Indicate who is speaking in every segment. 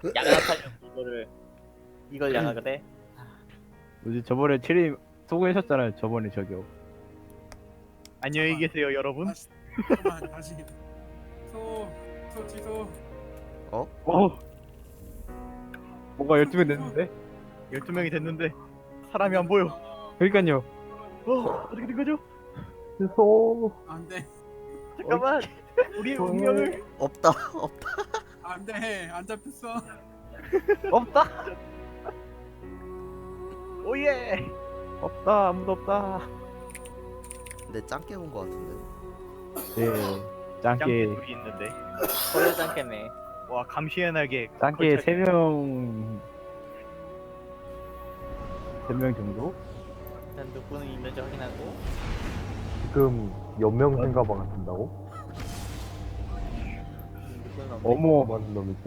Speaker 1: 양악하려고 이걸 양악을 해?
Speaker 2: 뭐지 저번에 체리 수고하셨잖아요. 저번에 저기요.
Speaker 3: 안녕히 계세요 여러분.
Speaker 4: 다시 다시 소 취소.
Speaker 2: 어? 뭔가 12명 됐는데?
Speaker 3: 12명이 됐는데 사람이 안 보여.
Speaker 2: 그러니까요.
Speaker 3: 어떻게 된 거죠?
Speaker 2: 죄송.
Speaker 4: 안돼
Speaker 3: 잠깐만. 우리의 운명을
Speaker 5: 없다.
Speaker 4: 안돼 안 잡혔어.
Speaker 2: 없다.
Speaker 3: 오예.
Speaker 2: 없다. 아무도 없다.
Speaker 5: 근데 짱깨 온 거 같은데.
Speaker 2: 예.
Speaker 3: 짱깨
Speaker 2: 짱깨
Speaker 3: 둘이 있는데.
Speaker 1: 보여지 않겠네.
Speaker 3: 와 감시의 날개.
Speaker 2: 짱깨
Speaker 3: 걸쳐-
Speaker 2: 3명 3명 정도?
Speaker 1: 일단 누구는 있는지 확인하고.
Speaker 6: 지금 연명 생가방 한다고?
Speaker 1: 누구는 없네.
Speaker 2: 어머
Speaker 6: 맞은 놈이지?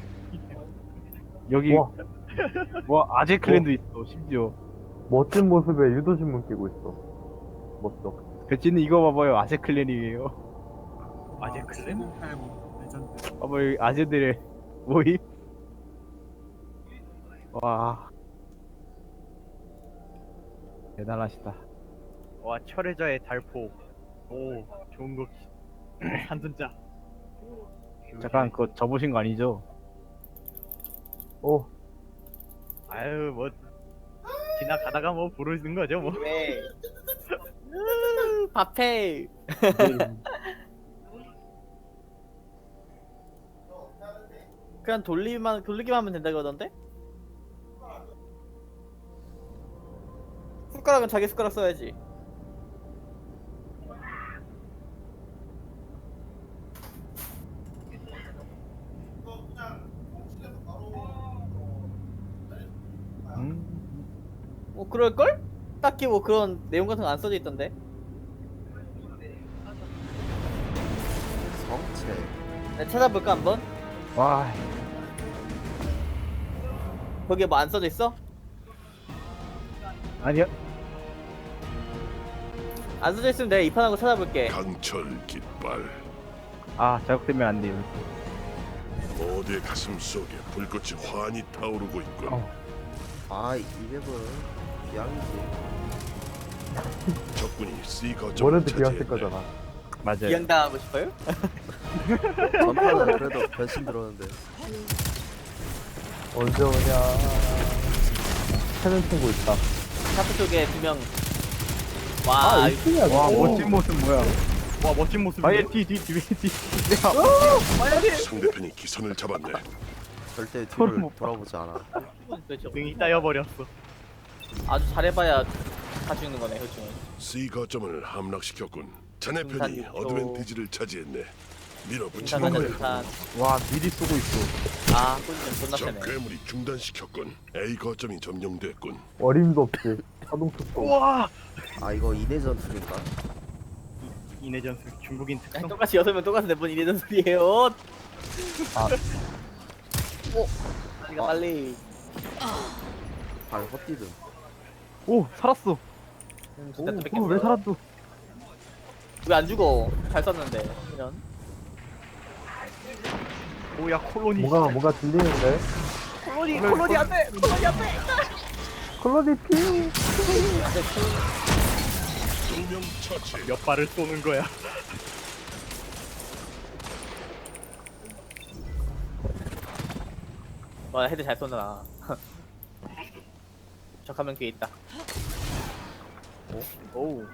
Speaker 2: 여기
Speaker 6: 와
Speaker 2: 뭐 아재 클랜도 있어 심지어.
Speaker 6: 멋진 모습에 유도신문 끼고 있어. 멋져.
Speaker 2: 배치는 이거 봐봐요. 아재 클랜이에요.
Speaker 3: 아재 클랜?
Speaker 4: 7089 레전드.
Speaker 2: 봐봐 여기 아재들의 모임. 와 대단하시다.
Speaker 3: 와 철회자의 달포. 오 좋은 거. 한순자.
Speaker 2: 잠깐 그거 접으신 거 아니죠?
Speaker 6: 어,
Speaker 3: 아유 뭐 지나가다가 뭐 부르는 거죠 뭐.
Speaker 1: 왜? 밥해. 그냥 돌리기만 하면 된다 그러던데? 숟가락은 자기 숟가락 써야지. 뭐 그럴걸? 딱히 뭐 그런 내용 같은 거 안 써져 있던데.
Speaker 5: 성체.
Speaker 1: 내가 찾아볼까 한번?
Speaker 2: 와
Speaker 1: 거기에 뭐 안 써져 있어?
Speaker 2: 아니야.
Speaker 1: 안 써져 있으면 내가 이판하고 찾아볼게.
Speaker 7: 강철 깃발
Speaker 2: 아 자극되면 안 돼요.
Speaker 7: 모두의 가슴 속에 불꽃이 환히 타오르고 있군.
Speaker 5: 아, 이 맵은 비양이지.
Speaker 7: 적군이 C 거점을
Speaker 6: 뭐래도 비었을
Speaker 7: 차지했네.
Speaker 6: 거잖아.
Speaker 2: 맞아요.
Speaker 1: 기양당하고 싶어요?
Speaker 5: 전판은 그래도 변신 들었는데.
Speaker 6: 언제 오냐. 찾는 친구 있다.
Speaker 1: 샤프 쪽에 2명.
Speaker 6: 아,
Speaker 1: 와,
Speaker 6: 1층이야.
Speaker 2: 와 멋진 모습 뭐야?
Speaker 3: 와 멋진 모습.
Speaker 2: 아예 뒤뒤뒤뒤
Speaker 7: 상대편이 기선을 잡았네.
Speaker 5: 절대
Speaker 2: 소름
Speaker 5: 뒤를
Speaker 2: 못 봐.
Speaker 5: 돌아보지 않아.
Speaker 3: 등이 따여버렸어.
Speaker 1: 아주 잘해봐야 다 죽는 거네, 효충은.
Speaker 7: C 거점을 함락시켰군. 자네
Speaker 1: 중산
Speaker 7: 편이
Speaker 1: 육조.
Speaker 7: 어드밴티지를 차지했네. 밀어붙이는
Speaker 1: 인사하자,
Speaker 7: 거야.
Speaker 1: 인산.
Speaker 2: 와 미리 쏘고 있어.
Speaker 1: 아, 꿀좀 존나
Speaker 7: 적
Speaker 1: 세네.
Speaker 7: 괴물이 중단시켰군. A 거점이 점령됐군.
Speaker 6: 어림도 없지. 자동 특성.
Speaker 3: 우와.
Speaker 5: 아, 이거 이내 전술인가?
Speaker 3: 이내 전술 중국인
Speaker 1: 야,
Speaker 3: 특성.
Speaker 1: 똑같이 6명 똑같은데 뭔 이래전 소리예요?
Speaker 6: 아.
Speaker 1: 오! 우리가 빨리.
Speaker 5: 발 헛디듬.
Speaker 2: 오 살았어.
Speaker 1: 진짜 또
Speaker 2: 오,
Speaker 1: 뺏겼어.
Speaker 2: 왜 살았어?
Speaker 1: 왜 안 죽어? 잘 썼는데. 이런.
Speaker 3: 오야 콜로니.
Speaker 6: 뭔가 들리는데?
Speaker 3: 콜로니 안 돼. 콜로니 안 돼.
Speaker 6: 콜로니 피.
Speaker 7: 두명 처치.
Speaker 3: 몇 발을 쏘는 거야.
Speaker 1: 와, 헤드 잘 쏜다. 적하면 뒤에 있다. 오?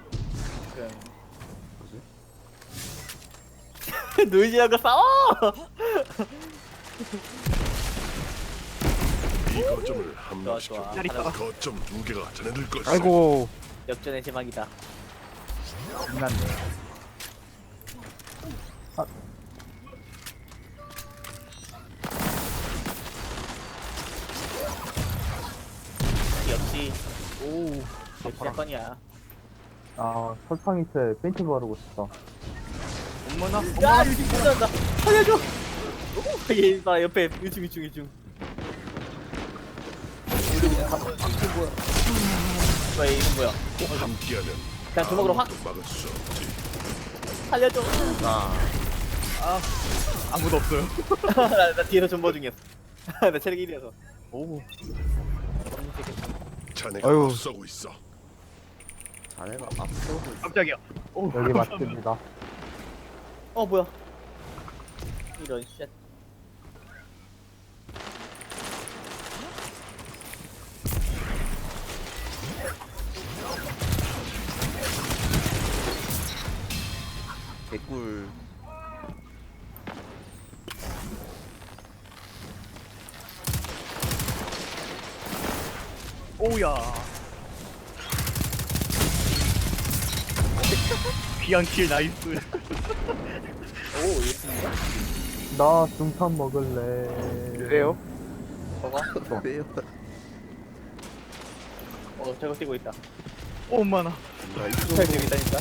Speaker 5: 뭐지?
Speaker 1: 노이즈하고 싸워!
Speaker 7: B 거점을
Speaker 1: 좋아,
Speaker 7: 함락시켰군.
Speaker 1: 좋아.
Speaker 7: 거점 2개가 자네들 것이다.
Speaker 2: 아이고
Speaker 1: 역전의 제막이다.
Speaker 2: 장난네.
Speaker 1: 역시. 오. 역시 사건이야.
Speaker 6: 아, 설탕이체 페인트 바르고 싶다.
Speaker 3: 어머나.
Speaker 1: 야, 유충 찾아온다. 살려줘! 오, 얘 봐, 옆에 유충. 우리 그냥 유충 뭐야? 뭐야, 얘 이름 뭐야?
Speaker 7: 함께하면
Speaker 1: 그냥 주먹으로 확
Speaker 7: 아무것도 막을 수 없지.
Speaker 1: 살려줘.
Speaker 5: 아,
Speaker 3: 아무도 없어요.
Speaker 1: 나 뒤에서 존버 중이었어. 나 체력 1이어서.
Speaker 3: 오.
Speaker 7: 자네가
Speaker 2: 아유.
Speaker 7: 앞서고 있어.
Speaker 5: 자네가 앞서고
Speaker 3: 깜짝이야. 오.
Speaker 6: 여기 맞습니다.
Speaker 1: 어 뭐야? 이런 쉣.
Speaker 5: 개꿀.
Speaker 3: 오야. 귀한 킬 나이스.
Speaker 1: 오 이거
Speaker 6: 나 중탄 먹을래.
Speaker 2: 그래요?
Speaker 1: 뭐가?
Speaker 5: 왜요?
Speaker 1: 저거 뛰고 있다.
Speaker 3: 오만아.
Speaker 1: 잘 뛰고 있다니까.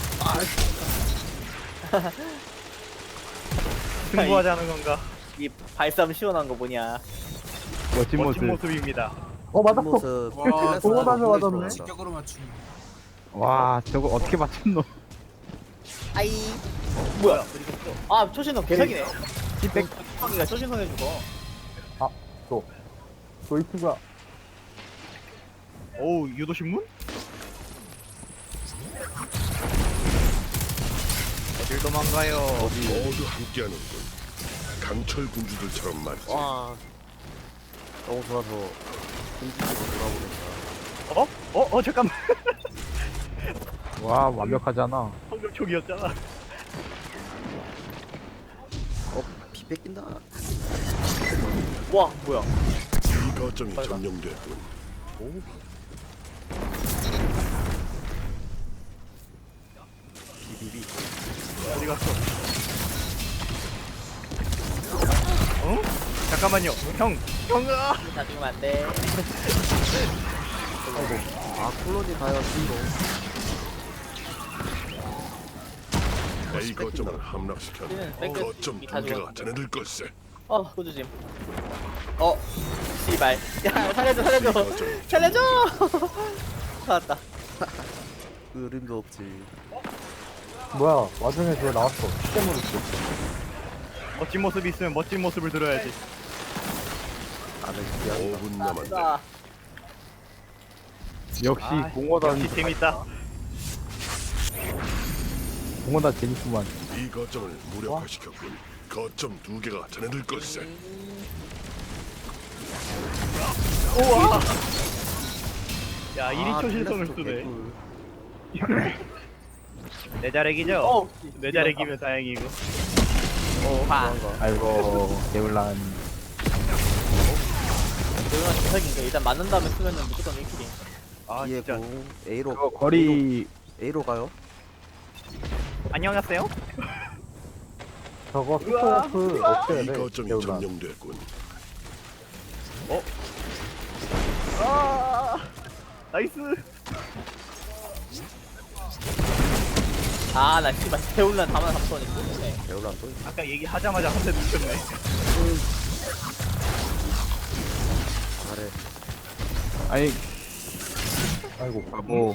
Speaker 3: 승부하자는 건가?
Speaker 1: 이 발싸움 시원한 거 뭐냐?
Speaker 2: 멋진
Speaker 3: 멋진
Speaker 2: 모습.
Speaker 3: 모습입니다.
Speaker 6: 맞았어.
Speaker 5: 모습.
Speaker 4: 와,
Speaker 6: 보고 나서 맞았네.
Speaker 4: 직격으로 맞춤.
Speaker 2: 와 저거 어떻게 맞췄노?
Speaker 1: 아이. 뭐야? 아 초신성 개사기네.
Speaker 2: 힙백.
Speaker 1: 초신성이가 초신성 해주고.
Speaker 6: 도이트가
Speaker 3: 오 유도신문? 어딜 도망가요?
Speaker 7: 모두 함께하는군. 강철 군주들처럼 말이지.
Speaker 5: 와. 너무 좋아서 공주로 돌아보낸다.
Speaker 3: 잠깐만.
Speaker 2: 와 완벽하잖아.
Speaker 3: 방금 총이었잖아.
Speaker 5: 피 뺏긴다.
Speaker 1: 와 뭐야?
Speaker 7: 이 거점이 점령됐군.
Speaker 5: 비비비.
Speaker 3: 어디 갔어? 어? 잠깐만요. 형아.
Speaker 1: 다 죽으면 안 돼.
Speaker 5: 아 콜론이 가요 뒤로.
Speaker 7: A 거점을 함락시켰네.
Speaker 1: 얘는 뺏겨.
Speaker 7: 거점
Speaker 1: 다
Speaker 7: 두 개가
Speaker 1: 죽었어.
Speaker 7: 자네들 걸세.
Speaker 1: 꾸주짐. 씨발. 야 살려줘
Speaker 7: 이 거점
Speaker 1: 살려줘. 살았다.
Speaker 5: 그림도 없지.
Speaker 6: 뭐야? 와중에 저 나왔어. 시대물 있어.
Speaker 3: 멋진 모습이 있으면 멋진 모습을 들어야지.
Speaker 5: 나는 기한이다.
Speaker 7: 5분 남았네.
Speaker 1: 나
Speaker 2: 역시
Speaker 3: 아,
Speaker 2: 공허단
Speaker 3: 역시 재밌다.
Speaker 2: 공허단 재밌구만.
Speaker 7: 이 거점을 무력화시켰군. 거점 두 개가 자네들 걸세.
Speaker 3: 우와. 야 1위
Speaker 5: 아,
Speaker 3: 초신성을
Speaker 5: 플래스도
Speaker 3: 쓰네.
Speaker 5: 개꿀.
Speaker 3: 내 자렉이죠? 내 자렉이면 다행이고.
Speaker 1: 봐.
Speaker 2: 아이고 개울란.
Speaker 1: 조용한 개사기인데 일단 맞는 다음에 쓰면은 무조건 1킬이.
Speaker 3: 아
Speaker 5: 뒤에
Speaker 3: 진짜.
Speaker 5: 공 A로
Speaker 2: 그거 거리
Speaker 5: A로 가요.
Speaker 3: 안녕하세요.
Speaker 6: 저거 스토프 없애야
Speaker 7: 이
Speaker 6: 돼.
Speaker 7: 거점이
Speaker 6: 개울란.
Speaker 7: 점령됐군.
Speaker 3: 아 나이스.
Speaker 1: 아나 씨발 태울란 다만 3턴이 쏘네.
Speaker 5: 배울란 또.
Speaker 3: 아까 얘기하자마자 한 대 눕혔네.
Speaker 5: 잘해.
Speaker 2: 아니
Speaker 6: 아이고.
Speaker 2: 바보.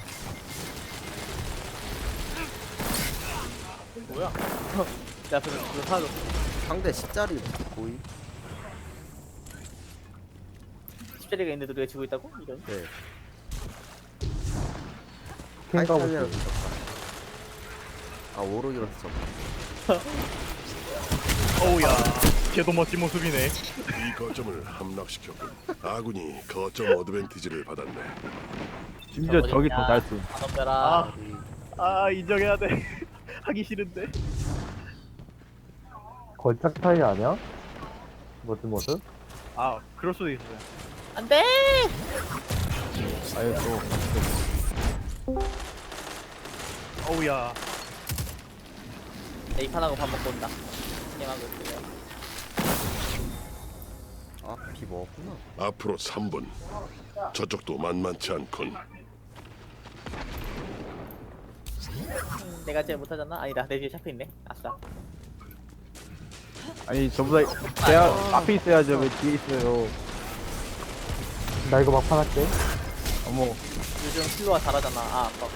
Speaker 1: 뭐야? 야 그거 사줘.
Speaker 5: 상대 10짜리 보이.
Speaker 1: 10짜리가 있는데 우리가 지고 있다고? 이런.
Speaker 5: 네.
Speaker 6: 캔가
Speaker 5: 타이탄이라서
Speaker 6: 보지.
Speaker 5: 졌다. 아 오록이라서 졌다.
Speaker 3: 어우야. 걔도 멋진 모습이네.
Speaker 7: 이 거점을 함락시켰군. 아군이 거점 어드밴티지를 받았네.
Speaker 2: 심지어 저기 더 잘 쏜.
Speaker 1: 안 덤벼라.
Speaker 3: 아 인정해야 돼. 하기 싫은데.
Speaker 6: 걸작 타이 아니야? 멋진 모습?
Speaker 3: 아 그럴 수도 있어요.
Speaker 1: 안돼.
Speaker 2: 아이고
Speaker 3: 어우야.
Speaker 1: 내 이판하고 밥 먹고 온다. 게임하고 있어요.
Speaker 5: 아피 먹었구나.
Speaker 7: 앞으로 3분. 저쪽도 만만치 않군.
Speaker 1: 내가 제일 못하잖아. 아니다 내 뒤에 샤프 있네. 아싸.
Speaker 2: 아니 저보다 제가 앞에 있어야죠. 왜 뒤에 있어요?
Speaker 6: 나 이거 막판 할게.
Speaker 2: 어머
Speaker 1: 요즘 킬로가 잘하잖아. 아까.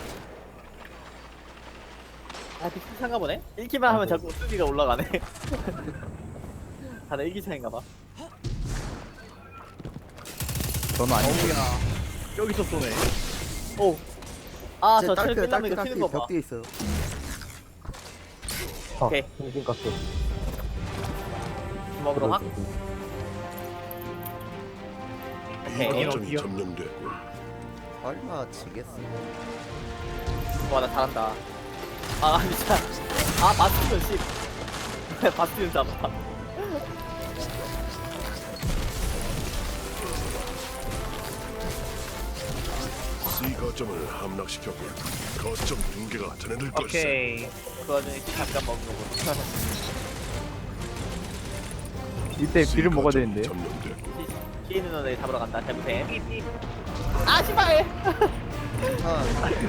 Speaker 1: 비슷한가 보네? 1킬만 하면 자꾸 수비가 올라가네. 다들 1기 차인가 봐.
Speaker 2: 저는 아니고.
Speaker 3: 어우야. 여기서 쏘네.
Speaker 1: 오. 아,
Speaker 5: 쟤
Speaker 1: 저 체력
Speaker 5: 딸피
Speaker 1: 끝나면 이거
Speaker 5: 딸피
Speaker 1: 튀는 거 봐.
Speaker 5: 벽 뒤에 있어요.
Speaker 1: 오케이.
Speaker 6: 정신 깎여.
Speaker 1: 주먹으로 확.
Speaker 7: B
Speaker 1: 오케이.
Speaker 7: 거점이 점령됐고
Speaker 5: 설마 지겠어?
Speaker 1: 와, 나 잘한다. 아, 진짜. 아, 바스티온 씨. 바스티온 잡아.
Speaker 7: C 거점을 함락시켰고 거점 붕괴가 전해들 걸세.
Speaker 3: 오케이.
Speaker 1: 그 와중에 잠깐 먹는 거구나.
Speaker 2: 이때
Speaker 7: C
Speaker 2: 비를 먹어야
Speaker 7: 거점이
Speaker 2: 되는데.
Speaker 7: 점령됐고
Speaker 1: 뒤에 있는 너네 잡으러 간다. 잘못해. 아, 씨발!
Speaker 5: 아,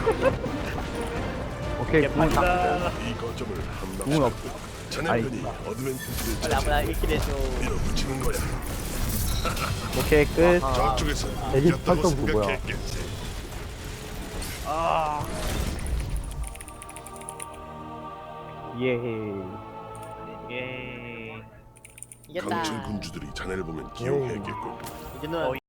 Speaker 2: 오케이, 궁은 다.
Speaker 3: 개판다.
Speaker 7: B 거점을
Speaker 2: 궁은 없.
Speaker 7: 함락시켰고 자네들이 어드밴티지를
Speaker 1: 빨리 아무나 1킬 해줘.
Speaker 7: 밀어붙이는 거야.
Speaker 2: 오케이, 끝.
Speaker 7: 저쪽에서
Speaker 6: 대기
Speaker 7: 이겼다고
Speaker 6: 활동 그거야.
Speaker 7: 생각했겠지.
Speaker 3: 아.
Speaker 2: 예.
Speaker 3: 예.
Speaker 1: 이겼다.
Speaker 7: 강철 군주들이 자네를 보면 기용했겠군.
Speaker 1: 이제는